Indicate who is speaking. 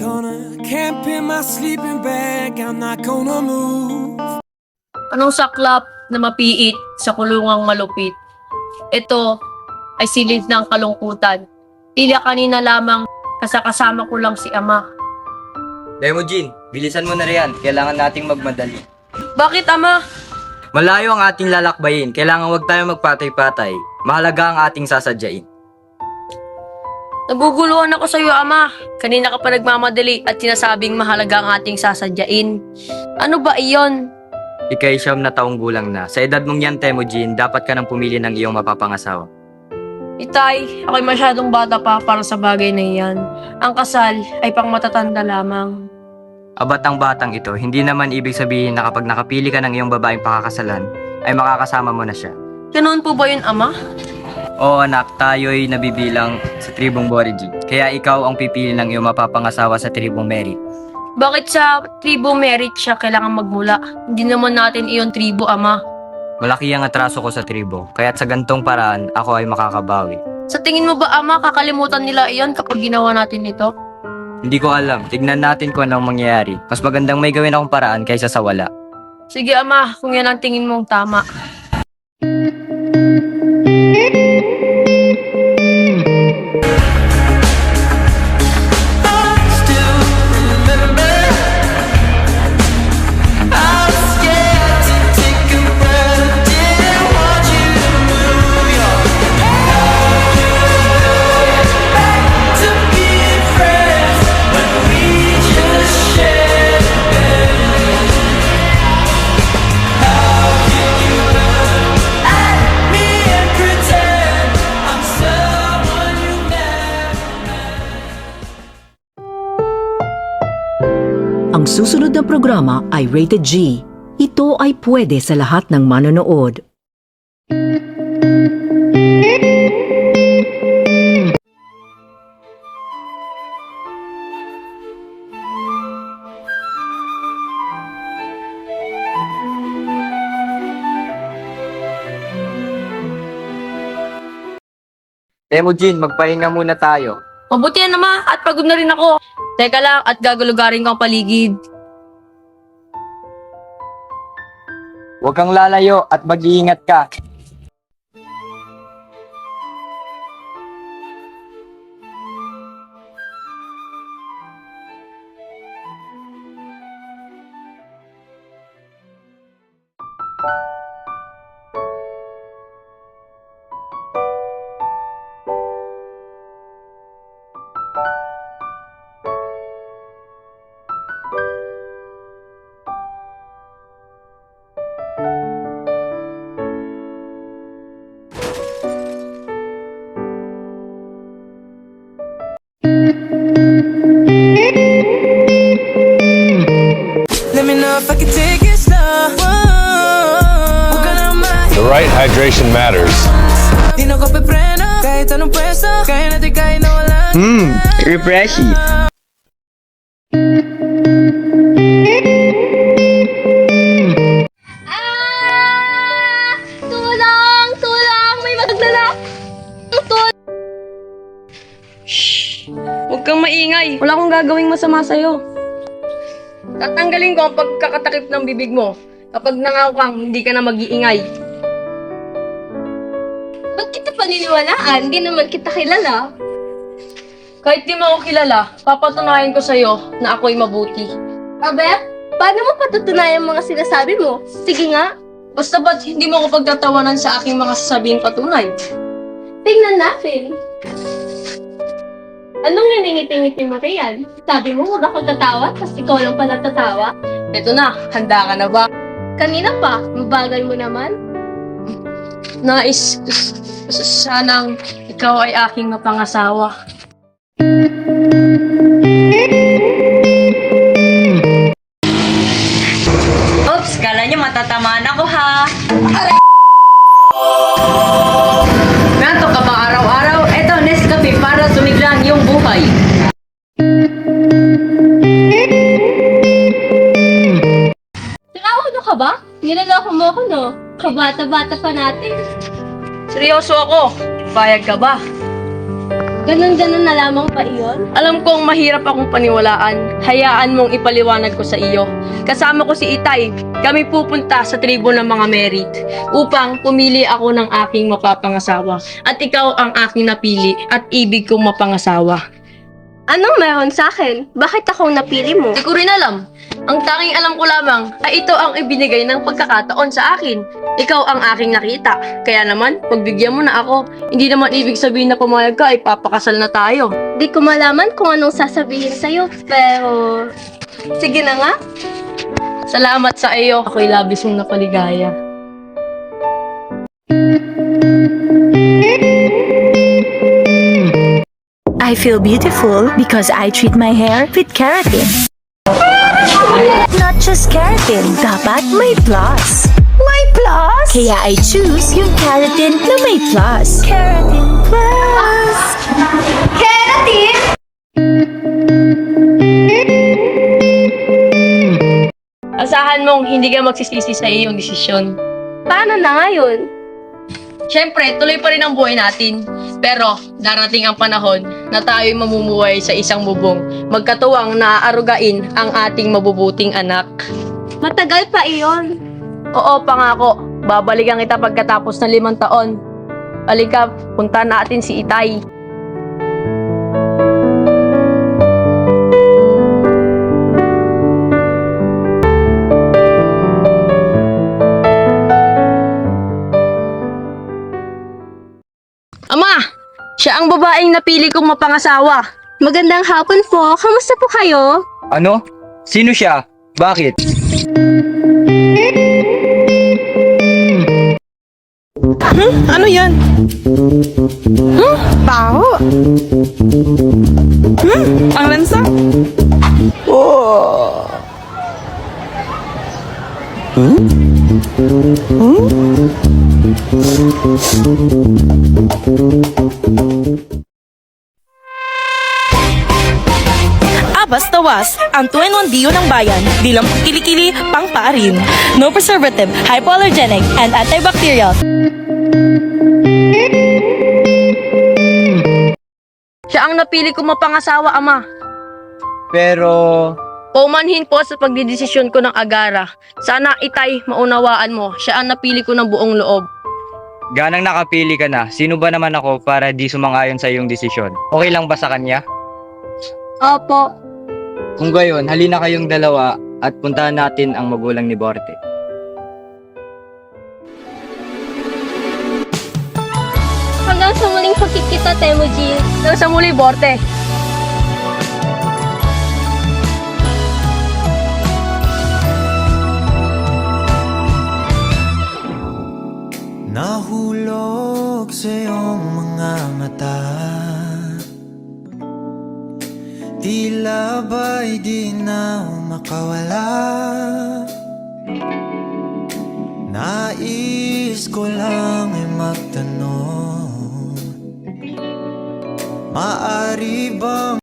Speaker 1: gonna camp in my sleeping bag. I'm not gonna move.
Speaker 2: Anong saklap na mapiit sa kulungang malupit? Ito ay silid ng kalungkutan. Tila kanina lamang kasama ko lang si Ama.
Speaker 3: Demogene, bilisan mo na riyan. Kailangan nating magmadali.
Speaker 2: Bakit, Ama?
Speaker 3: Malayo ang ating lalakbayin. Kailangan wag tayo magpatay-patay. Mahalaga ang ating sasadyain.
Speaker 2: Naguguluhan ako sa iyo, Ama. Kanina ka pa nagmamadali at sinasabing mahalaga ang ating sasadyain. Ano ba iyon?
Speaker 3: Ika'y 9 na taong gulang na. Sa edad mong yan, Temujin, dapat ka nang pumili ng iyong mapapangasawa.
Speaker 2: Itay, ako'y masyadong bata pa para sa bagay na iyan. Ang kasal ay pang matatanda lamang.
Speaker 3: Abat ang batang ito, hindi naman ibig sabihin na kapag nakapili ka ng iyong babaeng pakakasalan, ay makakasama mo na siya.
Speaker 2: Ganoon po ba yun, Ama?
Speaker 3: Oo anak, tayo'y nabibilang sa tribong Borigi. Kaya ikaw ang pipili ng iyong mapapangasawa sa tribong Merit.
Speaker 2: Bakit sa tribo Merit siya kailangan magmula? Hindi naman natin iyon tribo, Ama.
Speaker 3: Malaki ang atraso ko sa tribo, kaya't sa gantong paraan, ako ay makakabawi.
Speaker 2: Sa tingin mo ba, Ama, kakalimutan nila iyon kapag ginawa natin ito?
Speaker 3: Hindi ko alam, tignan natin kung anong mangyayari. Mas magandang may gawin akong paraan kaysa sa wala.
Speaker 2: Sige, Ama, kung yan ang tingin mong tama.
Speaker 4: Ang susunod na programa ay Rated G. Ito ay pwede sa lahat ng manonood.
Speaker 3: Temujin, magpahinga muna tayo.
Speaker 2: Mabuti yan, Ama, at pagod na rin ako. Teka lang, at gagulugarin ko ang paligid.
Speaker 3: Huwag kang lalayo at mag-iingat ka.
Speaker 1: Let me know if I can take it slow. Huwag ka na
Speaker 5: The right hydration matters.
Speaker 1: Di na ko pipreno. Kahit anong pwesto. Kaya natin kahit na wala.
Speaker 3: Refreshy.
Speaker 2: Tulong! Tulong! May maglalak! Shh! Huwag kang maingay. Wala akong gagawing masama sa'yo. Tatanggalin ko ang pagkakatakip ng bibig mo. Kapag nangako kang, hindi ka na mag-iingay.
Speaker 6: Ba't kita paniniwalaan? Hindi naman kita kilala.
Speaker 2: Kahit di mo ako kilala, papatunayan ko sa'yo na ako'y mabuti.
Speaker 6: Abe, paano mo patutunayan mga sinasabi mo? Sige nga,
Speaker 2: Basta ba't hindi mo ako pagtatawanan sa aking mga sasabihin patunay?
Speaker 6: tingnan natin. Anong naningiti-ngiti mo riyan? Sabi mo huwag ako tatawa, tapos ikaw lang pala tatawa?
Speaker 2: Eto na, handa ka na ba?
Speaker 6: Kanina pa, mabagal mo naman.
Speaker 2: Nais, sanang ikaw ay aking mapangasawa.
Speaker 7: Oops, kala nyo matatamaan ako ha.
Speaker 2: Nanto ka ba araw-araw? Eto, Nescafe para sumiglang yung buhay.
Speaker 6: Ano ka ba? Niloloko mo ako, no? Kabata-bata pa natin.
Speaker 2: Seryoso ako. Payag ka ba?
Speaker 6: Ganon-ganon na lamang ba iyon?
Speaker 2: Alam kong mahirap akong paniwalaan. Hayaan mong ipaliwanag ko sa iyo. Kasama ko si Itay. Kami pupunta sa tribo ng mga merit upang pumili ako ng aking mapapangasawa. At ikaw ang aking napili at ibig kong mapangasawa.
Speaker 6: Anong meron sa akin? Bakit ako napili mo?
Speaker 2: Hindi ko rin alam. Ang tanging alam ko lamang ay ito ang ibinigay ng pagkakataon sa akin. Ikaw ang aking nakita. Kaya naman, pagbigyan mo na ako. Hindi naman ibig sabihin na pumayag ka ay papakasal na tayo.
Speaker 6: Di ko malaman kung anong sasabihin sa'yo, pero... Sige na nga.
Speaker 2: Salamat sa iyo. Ako'y labis mong napaligaya.
Speaker 8: I feel beautiful because I treat my hair with keratin. Not just keratin, dapat may plus. May plus? Kaya I choose yung keratin na may plus. Keratin plus. Keratin?
Speaker 2: Asahan mong hindi ka magsisisi sa iyong desisyon.
Speaker 6: Paano na ngayon?
Speaker 2: Siyempre, tuloy pa rin ang buhay natin. Pero, darating ang panahon na tayo'y mamumuhay sa isang bubong, magkatuwang naaarugain ang ating mabubuting anak.
Speaker 6: Matagal pa iyon.
Speaker 2: Oo, pangako. Babalikan kita pagkatapos ng 5 taon. Halika, punta natin si Itay. Ama! Siya ang babaeng napili kong mapangasawa.
Speaker 6: Magandang hapon po. Kamusta po kayo?
Speaker 3: Ano? Sino siya? Bakit?
Speaker 1: Ano yan? Baho. Ang lansa. Oh.
Speaker 8: Basta Was, ang 2-in-1 Dio ng bayan, di lang kilikili, pang paarin. No preservative, hypoallergenic, and antibacterial.
Speaker 2: Siya ang napili kong mapangasawa, Ama.
Speaker 3: Pero...
Speaker 2: Paumanhin po sa pagdidesisyon ko ng agara. Sana, Itay, maunawaan mo. Siya ang napili ko ng buong loob.
Speaker 3: ganang nakapili ka na, sino ba naman ako para di sumang-ayon sa iyong desisyon? Okay lang ba sa kanya?
Speaker 6: Opo.
Speaker 3: Kung gayon, halina kayong dalawa at puntahan natin ang magulang ni Borte.
Speaker 6: Hanggang sa muling pagkikita, Temujin.
Speaker 2: Hanggang sa muli, Borte.
Speaker 9: Nahulog sa iyong mga mata, tila ba'y di na makawala. Nais ko lang ay magtanong, maari bang